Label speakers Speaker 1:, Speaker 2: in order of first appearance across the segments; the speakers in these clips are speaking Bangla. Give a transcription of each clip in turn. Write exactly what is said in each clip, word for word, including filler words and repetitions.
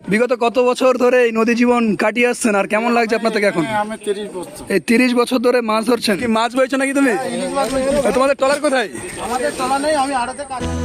Speaker 1: বিগত কত বছর ধরে এই নদী জীবন কাটিয়ে আসছেন আর কেমন লাগছে আপনার থেকে এখন?
Speaker 2: আমি তিরিশ বছর।
Speaker 1: এই তিরিশ বছর ধরে মাছ ধরছেন, কি মাছ বইছো নাকি তুমি? তোমাদের ট্রলার কোথায়?
Speaker 2: আমাদের চলা নেই, আমি আড়াতে কাজ করি।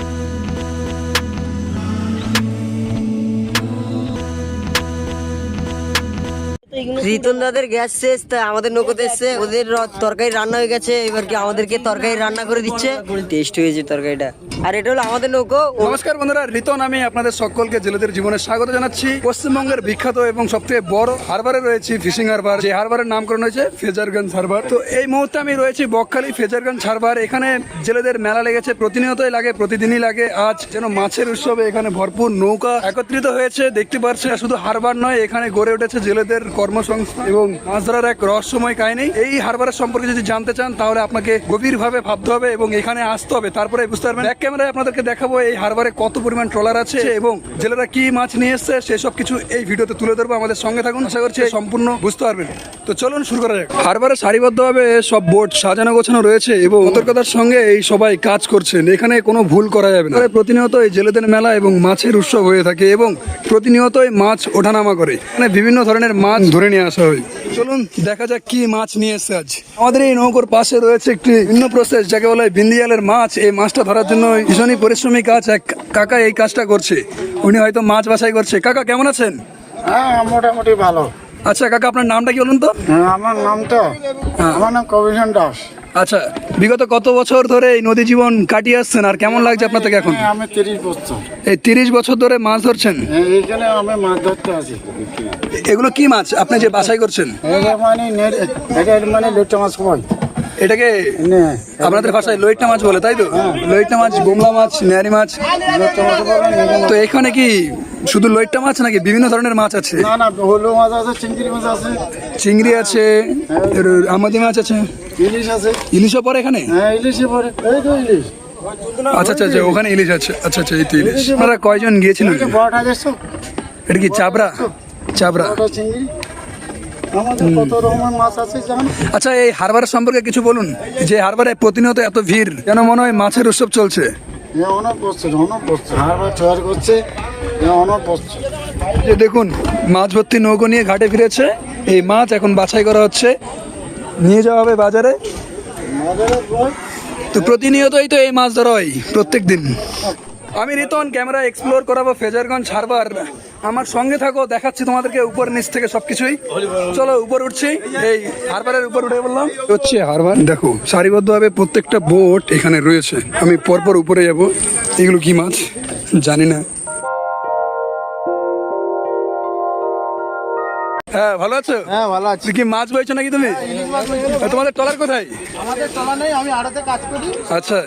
Speaker 3: রিতন দাদের গ্যাস শেষ, তাই আমাদের নৌকোতে এসছে। ওদের র- তরকারি রান্না হয়ে গেছে, এবার কি আমাদেরকে তরকারি রান্না করে দিচ্ছে। টেস্ট হয়েছে তরকারিটা। আর এটা হলো আমাদের নৌকো।
Speaker 1: নমস্কার বন্ধুরা, রিতন আমি আপনাদের সকলকে জেলেদের জীবনে স্বাগত জানাচ্ছি। পশ্চিমবঙ্গের বিখ্যাত এবং সবথেকে বড় হারবারে রয়েছে ফিশিং হারবার, যে হারবারের নামকরণ হয়েছে ফ্রেজারগঞ্জ হারবার। তো এই মুহূর্তে আমি রয়েছি বকখালি ফ্রেজারগঞ্জ হারবার। এখানে জেলেদের মেলা লেগেছে, প্রতিনিয়তই লাগে, প্রতিদিনই লাগে। আজ যেন মাছের উৎসবে এখানে ভরপুর নৌকা একত্রিত হয়েছে। দেখতে পাচ্ছেন শুধু হারবার নয়, এখানে গড়ে উঠেছে জেলেদের কর্মসংস্থান এবং মাছ ধরার এক রহস্যময় কাহিনী। এই হারবারের সম্পর্কে যদি জানতে চান তাহলে আপনাকে গভীরভাবে ভাবতে হবে এবং এখানে আসতে হবে, তারপরে বুঝতে পারবেন। ব্যাক ক্যামেরায় আপনাদেরকে দেখাবো এই হারবারে কত পরিমাণ ট্রলার আছে এবং জেলেরা কি মাছ নিয়ে এসছে সেসব কিছু এই ভিডিওতে তুলে ধরবো। আমাদের সঙ্গে থাকুন, আশা করছি সম্পূর্ণ বুঝতে পারবেন। তো চলুন শুরু করা যাক। হারবারে সারিবদ্ধভাবে সব বোট সাজানো গোছানো রয়েছে এবং সতর্কতার সঙ্গে এই সবাই কাজ করছেন। এখানে কোনো ভুল করা যাবে না। প্রতিনিয়ত এই জেলেদের মেলা এবং মাছের উৎসব হয়ে থাকে এবং প্রতিনিয়তই মাছ ওঠানামা করে। মানে বিভিন্ন ধরনের মাছ ধরে নিয়ে আসা হয়। চলুন দেখা যাক কি মাছ নিয়ে এসছে আজ। আমাদের এই নৌকোর পাশে রয়েছে একটি ভিন্ন প্রসেস, যাকে বলা হয় বিন্দিয়ালের মাছ। এই মাছটা ধরার জন্য ভীষণই পরিশ্রমী কাজ। এক কাকা এই কাজটা করছে, উনি হয়তো মাছ বাছাই করছে। কাকা কেমন আছেন?
Speaker 2: হ্যাঁ, মোটামুটি ভালো।
Speaker 1: আচ্ছা কাকা, আপনার নামটা কি বলুন তো?
Speaker 2: হ্যাঁ, আমার নাম তো আমার নাম কবিশন দাস।
Speaker 1: আচ্ছা, বিগত কত বছর ধরে এই নদী জীবন কাটিয়ে আসছেন আর কেমন লাগছে আপনার থেকে এখন?
Speaker 2: হ্যাঁ, আমি তিরিশ বছর।
Speaker 1: এই তিরিশ বছর ধরে মাছ ধরছেন,
Speaker 2: হ্যাঁ, এইখানে আমি মাছ ধরতে আছি।
Speaker 1: এগুলো কি মাছ আপনি যে বাছাই করছেন?
Speaker 2: এটা মানে নেট- এটা মানে লোট্টা মাছ কয়
Speaker 1: এটাকে
Speaker 2: নে,
Speaker 1: আপনাদের ভাষায় লইট্টা মাছ বলে, তাই তো? লইট্টা মাছ, বোমলা মাছ, নেয়ারি মাছ।
Speaker 2: লোট্টা মাছ বলে না।
Speaker 1: তো এখানে কি শুধু লইট্টা মাছ নাকি বিভিন্ন ধরনের মাছ আছে?
Speaker 2: না না, হলু মাছ আছে, চিংড়ি মাছ আছে,
Speaker 1: চিংড়ি আছে, এর আমাদি মাছ আছে,
Speaker 2: ইলিশ আছে।
Speaker 1: ইলিশও পরে এখানে?
Speaker 2: হ্যাঁ, ইলিশে পরে, এই তো ইলিশ।
Speaker 1: আচ্ছা আচ্ছা আচ্ছা, ওখানে ইলিশ আছে। আচ্ছা আচ্ছা, এই তো ইলিশ। আপনারা কয়জন গিয়েছিলেন?
Speaker 2: এই যে বড়টা দেখছো,
Speaker 1: এটা কি চাবড়া? চাবড়া।
Speaker 2: বড়টা চিংড়ি। আমাদের কত রকমের মাছ আছে জানো?
Speaker 1: আচ্ছা, এই হারবারের সম্পর্কে কিছু বলুন। যে হারবারে প্রতিনিয়ত এত ভিড়, যেন মনে হয় মাছের উৎসব চলছে।
Speaker 2: হ্যাঁ, অনেক বছর অনেক বছর হারবার তৈরি করছে। হ্যাঁ, অনেক বছর।
Speaker 1: যে দেখুন, মাছ ভর্তি নৌকো নিয়ে ঘাটে ফিরেছে। এই মাছ এখন বাছাই করা হচ্ছে, নিয়ে যাওয়া হবে বাজারে।
Speaker 2: বাজারের বই।
Speaker 1: তো প্রতিনিয়তই তো এই মাছ ধরা হয় প্রত্যেক দিন। আমি রিতন, ক্যামেরা এক্সপ্লোর করাবো ফ্রেজারগঞ্জ হারবার। আমার সঙ্গে থাকো, দেখাচ্ছি তোমাদেরকে উপর নিচ থেকে সবকিছুই। চলো উপর উঠছি, এই হারবারের উপর উঠে বললাম হচ্ছে হারবার। দেখো সারিবদ্ধভাবে প্রত্যেকটা বোট এখানে রয়েছে। আমি পরপর উপরে যাব। এগুলো কি মাছ জানি না। হ্যাঁ, ভালো আছো?
Speaker 2: হ্যাঁ, ভালো আছি।
Speaker 1: তুমি কি মাছ বইছো নাকি তুমি? তোমাদের ট্রলার কোথায়?
Speaker 2: আমাদের চলা নেই, আমি আড়াতে কাজ করি।
Speaker 1: আচ্ছা,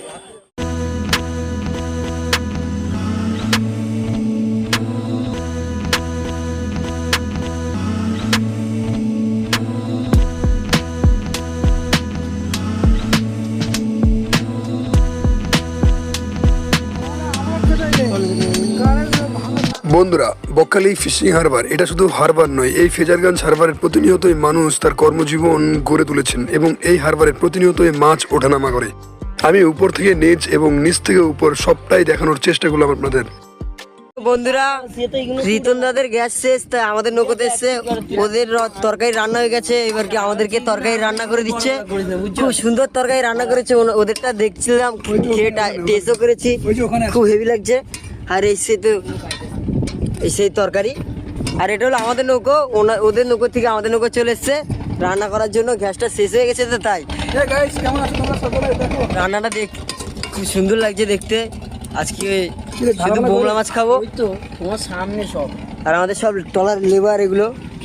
Speaker 1: বন্ধুরা, বকখালি ফিশিং হারবার এটা শুধু হারবার নয়, এই ফ্রেজারগঞ্জ হারবারের প্রতিনিয়তই মানুষ তার কর্মজীবন গড়ে তুলেছেন এবং এই হারবারের প্রতিনিয়তই মাছ ওঠানামা করে। আমি উপর থেকে নিচ এবং নিচ থেকে উপর সবটাই দেখানোর চেষ্টা করলাম আপনাদের।
Speaker 3: বন্ধুরা, রিতন দাদের গ্যাস শেষ, তাই আমাদের নৌকোতে এসছে। ওদের র- তরকারি রান্না হয়ে গেছে, এবার কি আমাদেরকে তরকারি রান্না করে দিচ্ছে। খুব সুন্দর তরকারি রান্না করেছে। ওনা- ওদেরটা দেখছিলাম, খেয়ে টেস্টও করেছি, খুব হেভি লাগছে। আর এই সে তো এই সেই তরকারি। আর এটা হলো আমাদের নৌকো। ওনা- ওদের নৌকো থেকে আমাদের নৌকো চলে এসছে রান্না করার জন্য। গ্যাসটা শেষ হয়ে গেছে, তো তাই রান্নাটা দেখ খুব সুন্দর লাগছে দেখতে। আজকে শুধু বোমলা মাছ খাবো।
Speaker 4: তো তোমার সামনে সব
Speaker 3: আর আমাদের সব টলার লেবার এগুলো,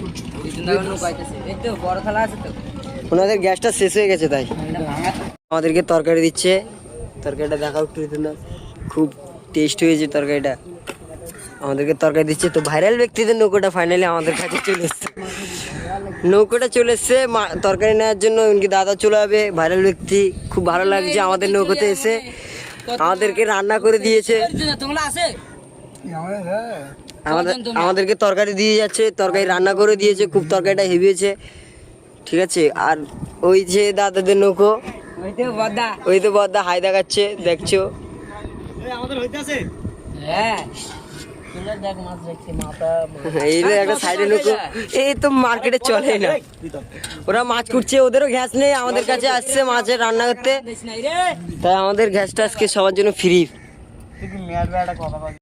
Speaker 4: বড় থালা আছে তো।
Speaker 3: ওনাদের গ্যাসটা শেষ হয়ে গেছে, তাই আমাদেরকে তরকারি দিচ্ছে। তরকারিটা দেখাও একটু রিতন দা, খুব টেস্ট হয়েছে তরকারিটা। আমাদেরকে তরকারি দিচ্ছে। তো ভাইরাল ব্যক্তিদের নৌকোটা ফাইনালি আমাদের কাছে চলে এসছে। নৌকোটা চলে এসছে মা- তরকারি নেওয়ার জন্য। এমনকি দাদা চলে যাবে, ভাইরাল ব্যক্তি। খুব ভালো লাগছে আমাদের নৌকোতে এসে আমাদেরকে রান্না করে দিয়েছে।
Speaker 4: তোমরা আছে
Speaker 3: আমাদের আমাদেরকে তরকারি দিয়ে যাচ্ছে, তরকারি রান্না করে দিয়েছে। খুব তরকারিটা হেভি হয়েছে, ঠিক আছে। আর ওই যে দাদাদের নৌকো,
Speaker 4: ওই তো বদা।
Speaker 3: ওই তো বদ্দা হাই দেখাচ্ছে, দেখছো।
Speaker 4: হ্যাঁ, দেখ মাছ দেখছি মাথা
Speaker 3: এই যে একটা সাইডে নৌকো, এই তো মার্কেটে চলে না, ওরা মাছ কুটছে, ওদেরও গ্যাস নেই, আমাদের কাছে আসছে মাছের রান্না করতে,
Speaker 4: নাই রে
Speaker 3: তাই আমাদের গ্যাসটা আজকে সবার জন্য ফ্রি।